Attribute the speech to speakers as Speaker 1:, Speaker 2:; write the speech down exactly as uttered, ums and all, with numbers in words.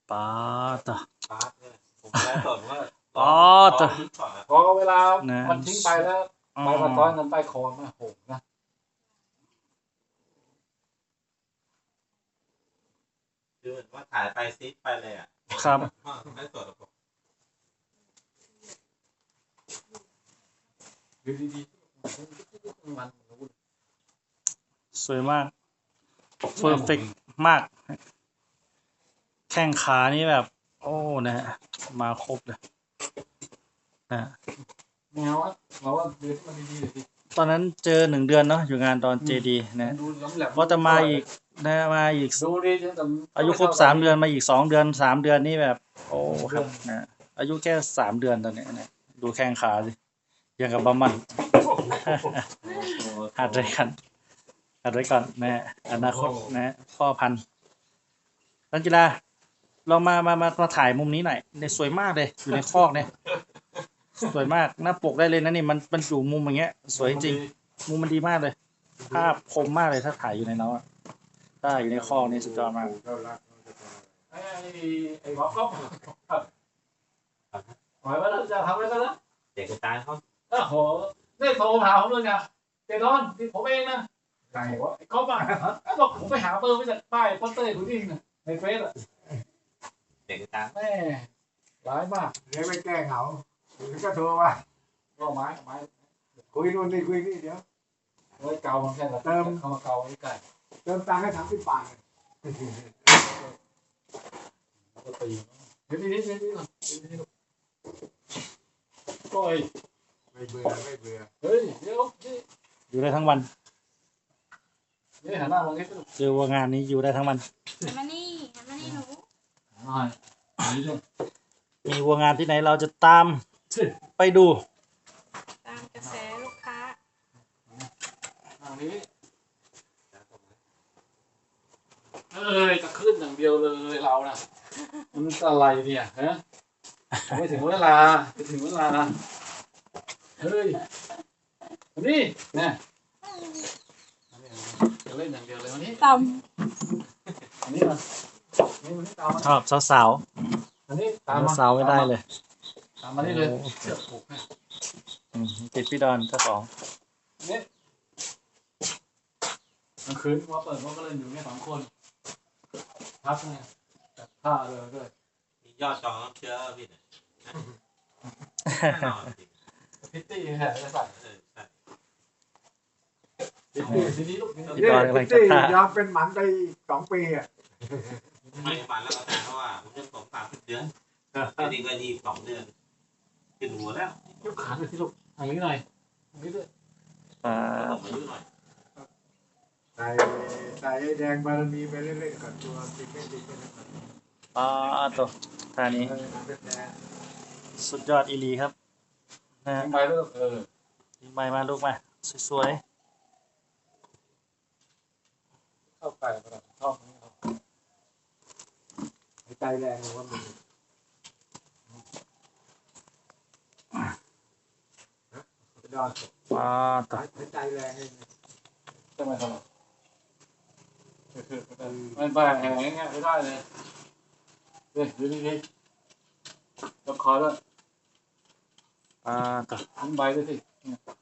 Speaker 1: ป้าต่อ
Speaker 2: ปาร์ตเนี่ยผมแค่สอนว่า
Speaker 1: อ๋อต่อ
Speaker 3: พอเวลา
Speaker 1: นะ
Speaker 3: มันทิ้งไปแล้ว
Speaker 1: อ๋อ
Speaker 3: ใบกระท้อนกันใต้คอมาโหนะ
Speaker 2: คือเหมือนว่าถ่ายไปซิปไปเลยอ่ะ
Speaker 1: ครับ
Speaker 2: ไม่สดหรอกผม
Speaker 3: ดีดีๆมัน
Speaker 1: สวยมากเพอร์เฟกมาก แข้งขานี่แบบ โอ้นะฮะมาครบเลยนะฮะ
Speaker 3: แนวอ่ะเราว่าเดือดมันดีๆเลยสิ
Speaker 1: ตอนนั้นเจอหนึ่งเดือนเนาะอยู่งานตอนเจดีนะ
Speaker 3: ดูล้ำแหลม
Speaker 1: ว่าจะมาอีกนะมาอีก
Speaker 3: ดูดีจังแต่
Speaker 1: อายุครบสามเดือนมาอีกสองเดือนสามเดือนนี่แบบ โอ้ครับนะอายุแค่สามเดือนตอนเนี้ยนะดูแข้งขาสิยังกับบะมัน หัดไว้กันหัดไว้ก่อนนะฮะอนาคตนะฮะพ่อพันธุ์นักกีฬาลองมามามามาถ่ายมุมนี้หน่อยเนี่ยสวยมากเลยอยู่ในคอกเนี่ยสวยมากหน้าปกได้เลยนะนี่มันมันอยู่มุมอย่างเงี้ย สวยจริงมุมมันดีมากเลย ภาพคมมากเลยถ้าถ่ายอยู่ในน้องถ้าอยู่ในคอกนี่สุดยอดมาก
Speaker 3: ไอ้ไอ้บอกก็หมายว่าเราจะทำอะไรกันนะ
Speaker 2: เด็กกระจายเขา
Speaker 3: โอ้โหนี่โทรถามผมเลยนะเจนอนที่ผมเองนะไก่วะไอ้ก๊อฟอ่ะไอ้บอกผมไปหาเบอร์มาจากป้ายโปสเตอร์คุณยิ่งนะในเฟซอ่ะ
Speaker 2: เด็กกระจาย
Speaker 3: แม่ร้ายมาก
Speaker 4: เดี๋ยวไปแก้เหงาเดี๋ยวก็โทรว่า
Speaker 3: ก็ไม้ไม้
Speaker 4: คุยนู่นนี่คุยนี่เดี๋ยว
Speaker 3: ไว้เกามันแค่เติมเขามาเกาไว้ไก่
Speaker 4: เติมตังค์ให้สามสิบบาท
Speaker 3: ก็ตีเดี๋ยวนี้เดี๋ยวนี้ก่อนเดี๋ยวนี้ก็ไอ้
Speaker 4: ไม่เบื่อไม่เบื่อ
Speaker 3: เฮ้ยเดี๋ยวนี่
Speaker 1: อยู่ได้ทั้งวัน
Speaker 3: นี่หันหน้ามาให้ดู
Speaker 1: เจอว่างานนี้อยู่ได้ทั้งวัน
Speaker 5: หันมานี่หันมานี่หนู
Speaker 3: หน่อยนี่ด้วย
Speaker 1: มีวัวงานที่ไหนเราจะตามไปดู
Speaker 5: ตามกระแสลูกค้า
Speaker 3: ทางนี้เอ้ยจะขึ้นอย่างเดียวเลยเรานะมันอะไรเนี่ยฮะไม่ถึงเวลาไม่ถึงเวลาเฮ้ยนี่เนี่ยจะเล่นอย่างเดียวเลยวันนี้
Speaker 5: ต่
Speaker 3: อันนี้มานี่มันตามมา
Speaker 1: ชอบสาว
Speaker 3: อันนี้ตาม
Speaker 1: ๆ
Speaker 3: มา
Speaker 1: สาวๆไม่ได้เลย
Speaker 3: ตามมานี่เลยเชือกผูกให้
Speaker 1: อืมติดพี่ดอนเจ้าของ
Speaker 3: นี่กลางคืนว่าเปิดว่าก็เล่นอยู่แค่สองคนพักเนี่ยจัดผ้าเลยด้วย
Speaker 2: มียอดจองน้ำเชื้อพี่เนี่ยแน่นอนจริง
Speaker 3: พิตตี้แห่จะใส่
Speaker 2: เออใช่
Speaker 3: พิตตี้ทีนี้ลูก
Speaker 1: พี่ดอนกำลังจะ
Speaker 4: ที่
Speaker 1: ท่าย
Speaker 4: อมเป็นหมันไปสองปีอ่ะ
Speaker 2: ไม่ฝันแล้วก็แต่เพราะว่าผมจะสองสามสิบเดือนจริงๆก็ยี่สิบสองเดือนขึ้นหัวแล้ว
Speaker 3: ยกขาไปที่ลูกทางนี้หน่อยทางนี้ด้วย
Speaker 1: อ่า
Speaker 2: ผมอายุหน่อย
Speaker 4: ใส่ใส่แดงบารมีไปเรื่อยๆก่อนตัวติดไม่ติดไม่ติด
Speaker 1: อ่าตัวท่านี้
Speaker 4: เออเป็นแดง
Speaker 1: สุดยอดอีหลีครับนะฮะ
Speaker 3: ทางไปแล้วเออ
Speaker 1: ยิงไม้มาลูกมาสวย
Speaker 3: เข้าไปประดับชอบนี้ครับ
Speaker 4: ใจแรงเลยว่ามันดอน
Speaker 1: ๆอ่าตัว
Speaker 4: ใจแรงเลย
Speaker 3: ใช่ไหมครับมันไปแห่งเงี้ยไม่ได้เลยเฮ้ยดูดีๆยกคอด้วย
Speaker 1: อ่าตัว
Speaker 3: ทิ้งใบด้วยสิ